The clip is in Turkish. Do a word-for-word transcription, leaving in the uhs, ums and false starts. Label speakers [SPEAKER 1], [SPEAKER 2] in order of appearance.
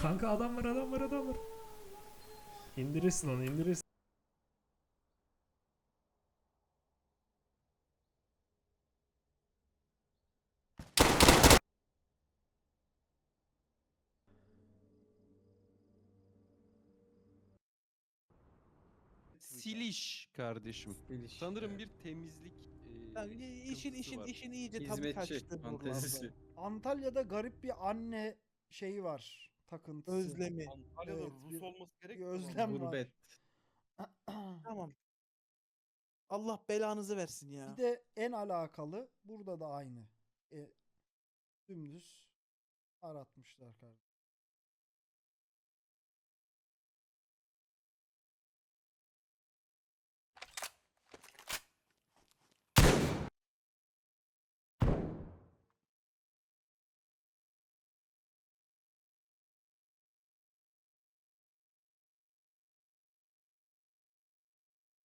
[SPEAKER 1] Kanka adam var adam var adam var. İndirirsin onu indirirsin.
[SPEAKER 2] Siliş kardeşim.
[SPEAKER 3] Siliş,
[SPEAKER 2] Sanırım
[SPEAKER 3] evet.
[SPEAKER 2] bir temizlik e,
[SPEAKER 4] Yani işin
[SPEAKER 2] sıkıntısı
[SPEAKER 4] işin
[SPEAKER 2] var.
[SPEAKER 4] işin iyice tadı
[SPEAKER 3] Hizmetçi
[SPEAKER 4] kaçtı
[SPEAKER 3] fantezisi.
[SPEAKER 4] buralarda.
[SPEAKER 5] Antalya'da garip bir anne şeyi var. Takıntısı.
[SPEAKER 4] Özlemi.
[SPEAKER 6] Antalya'da
[SPEAKER 4] Evet,
[SPEAKER 6] Rus
[SPEAKER 4] bir-
[SPEAKER 6] olması
[SPEAKER 5] Bir
[SPEAKER 6] gerekmiyor mu?
[SPEAKER 5] özlem var.
[SPEAKER 3] Gurbet.
[SPEAKER 4] Tamam. Allah belanızı versin ya.
[SPEAKER 5] Bir de en alakalı burada da aynı. E, dümdüz aratmışlar kardeşim.